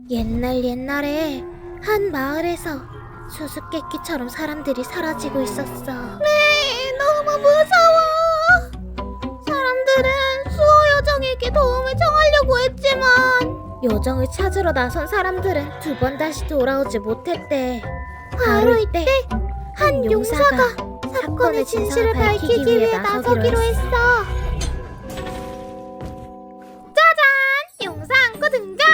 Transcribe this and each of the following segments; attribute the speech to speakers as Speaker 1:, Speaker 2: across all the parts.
Speaker 1: 옛날에 한 마을에서 수수께끼처럼 사람들이 사라지고 있었어. 네, 너무 무서워. 사람들은 수호 요정에게 도움을 청하려고 했지만 요정을 찾으러 나선 사람들은 두 번 다시 돌아오지 못했대. 바로 이때 한 용사가 사건의 진실을 밝히기 위해 나서기로 했어. 짜잔! 용사 안고 등장!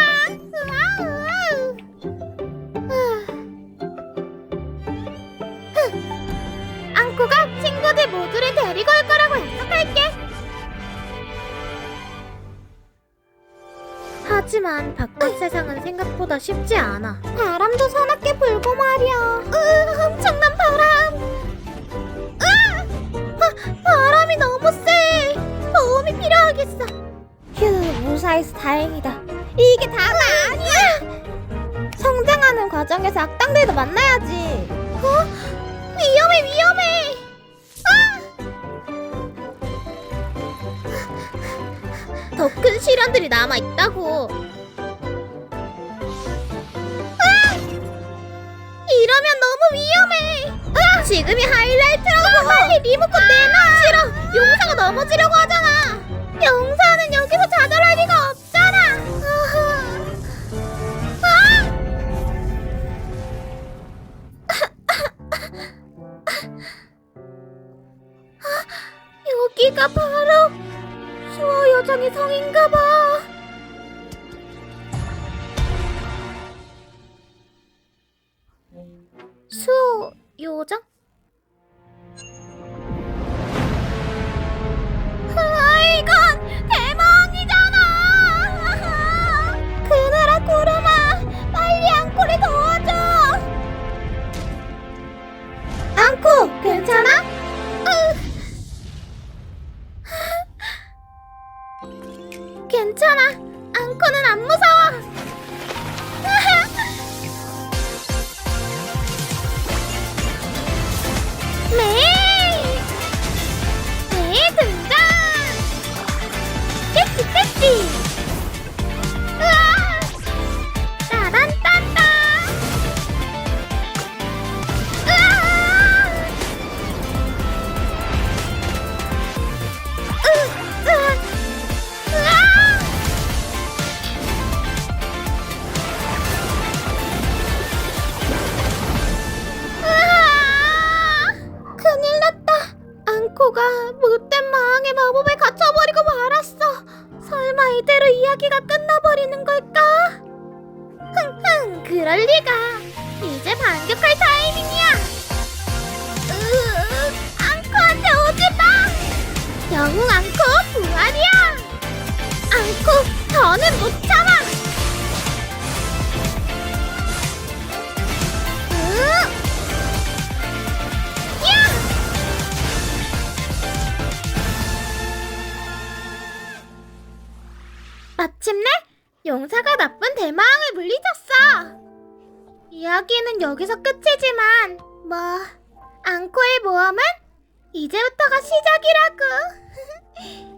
Speaker 1: 안코가 친구들 모두를 데리고 올 거라고 약속할게. 하지만 바깥 세상은 생각보다 쉽지 않아. 바람도 서럽게 불고 말이야. 엄청난 바람. 바람이 너무 세. 도움이 필요하겠어. 휴, 무사해서 다행이다. 이게 다가 아니야. 성장하는 과정에서 악당들도 만나야지. 위험해. 더 큰 시련들이 남아있다고. 이러면 너무 위험해. 지금이 하이라이트라고. 빨리 리모컨 내놔. 싫어. 용사가 넘어지려고 하잖아. 용사는 여기서 좌절할 리가 없잖아. 여기가 바로 수호 요정의 성인가봐. 수호 요정? 이건 대망이잖아. 그늘아 구름아, 빨리 앙코를 도와줘. 앙코, 괜찮아? 괜찮아. 앙코는 안 무서워. 네 등장. 깨치. 으아! 따란딴딴. 으아! 큰일 났다. 앙코가 못된 마왕의 마법에 갇혀버리고 말았어. 설마 이대로 이야기가 끝나버리는 걸까? 그럴 리가. 이제 반격할 타이밍이야. 앙코한테 오지 마. 영웅 앙코 부활이야. 앙코, 더는 못 참아. 마침내 용사가 나쁜 대마왕을 물리쳤어. 이야기는 여기서 끝이지만 뭐 앙코의 모험은 이제부터가 시작이라고.